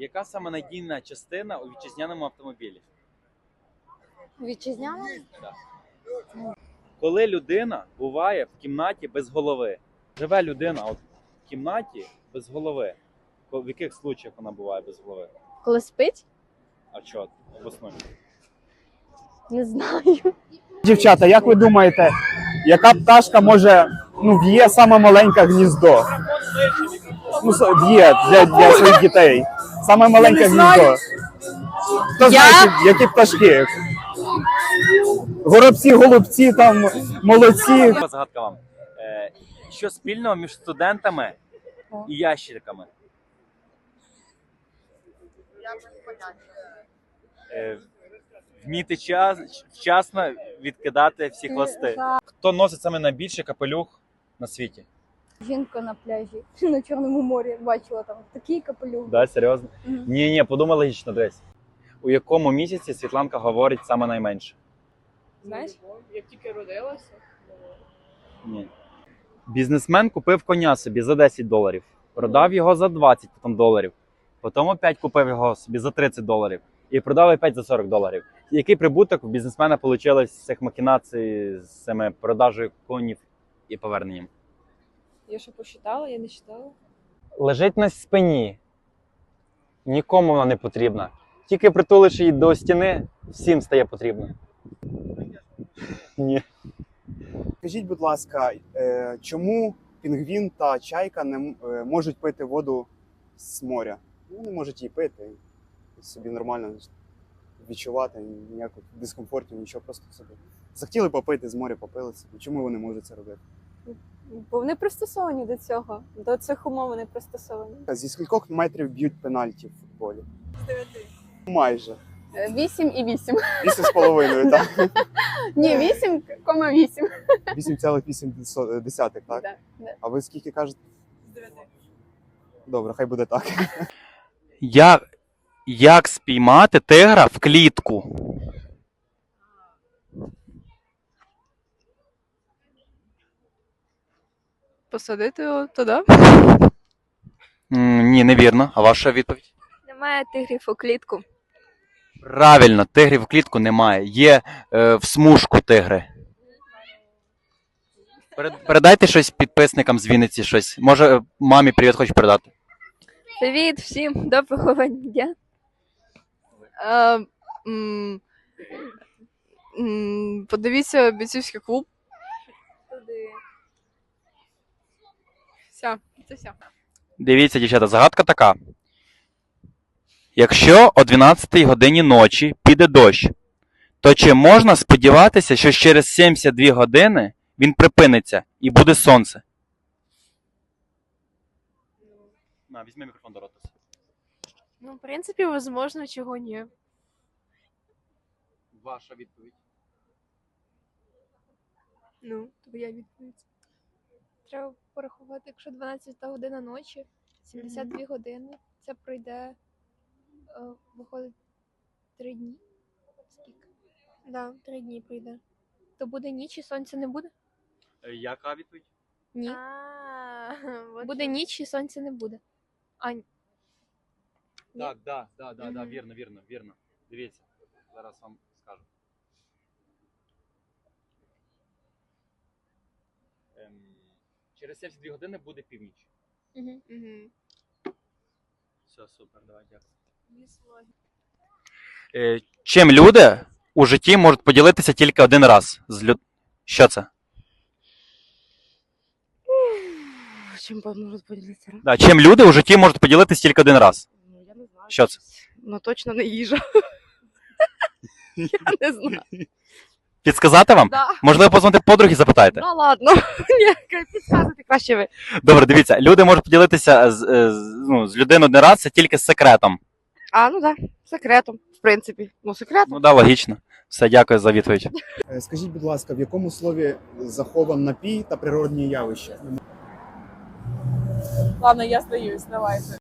Яка саме надійна частина у вітчизняному автомобілі? Вітчизняна? Так. Коли людина буває в кімнаті без голови. Живе людина от в кімнаті без голови. В яких случаях вона буває без голови? Коли спить? А чого? Обоснуй. Не знаю. Дівчата, як ви думаєте, яка пташка може, в'є саме маленьке гніздо? В'є для своїх дітей. Саме маленьке гніздо. Хто знає, які пташки? Горобці, голубці, там, молодці. Загадка вам. Що спільного між студентами і ящерками? Вміти вчасно відкидати всі хвости. Хто носить саме найбільший капелюх на світі? Жінка на пляжі на Чорному морі бачила там такий капелюх. Да, серйозно? Ні, подумай логічно, дивись. У якому місяці Світланка говорить саме найменше? Знаєш, як тільки родилася. Ні. Бізнесмен купив коня собі за $10. Продав його за $20 доларів. Потім опять купив його собі за $30. І продав опять за $40. Який прибуток у бізнесмена вийшло з цих махінацій, з цими продажею конів і поверненням? Я що посчитала, я не читала. Лежить на спині. Нікому вона не потрібна. Тільки притулиш її до стіни, всім стає потрібно. Ні. Скажіть, будь ласка, чому пінгвін та чайка не можуть пити воду з моря? Вони можуть її пити і собі нормально відчувати, ніякого дискомфорту, нічого, просто собі. Захотіли попити з моря, попили собі. Чому вони можуть це робити? Бо вони пристосовані до цього. До цих умов вони пристосовані. Зі скількох метрів б'ють пенальті в футболі? З 9. Майже. 8 і 8. 8,5, так? Ні, 8,8. 8,8, так? Да. А ви скільки кажете? З 9. Добре, хай буде так. Як спіймати тигра в клітку? Посадити його туди? Ні, невірно. А ваша відповідь? Немає тигрів у клітку. Правильно, тигрів в клітку немає. Є в смужку тигри. Передайте щось підписникам з Вінниці, щось. Може, мамі привіт хочу передати. Привіт всім, доброго дня. Подивіться бійцівський клуб. Все, це все. Дивіться, дівчата, загадка така. Якщо о 12 годині ночі піде дощ, то чи можна сподіватися, що через 72 години він припиниться і буде сонце? На, візьми мікрофон до рота. Ну, в принципі, возможно, чого ні. Ваша відповідь. Ну, твоя відповідь. Треба порахувати, якщо 12 година ночі, 72 години, це пройде, виходить, 3 дні. Скільки? Да, 3 дні пройде. То буде ніч і сонця не буде? Яка відповідь? Ні. Буде ніч і сонця не буде. Так, вірно. Дивіться, зараз вам скажу. Через 72 години буде північ. Угу. Все, супер, давай, дякую. Чим люди у житті можуть поділитися тільки один раз? Що це? Чим можуть поділитися? Да, чим люди у житті можуть поділитися тільки один раз? Ну, я не знаю. Що це? Ну, точно не їжа. Я не знаю. Підсказати вам? Да. Можливо, позвонити подруги і запитаєте? Ну, ладно. Ні, підказуйте краще ви. Добре, дивіться, люди можуть поділитися з людиною один раз, це тільки з секретом. А, ну так, секретом, в принципі. Ну, секретом. Ну да, логічно. Все, дякую за відповідь. Скажіть, будь ласка, в якому слові захован напій та природні явища? Ладно, я здаюсь, давайте.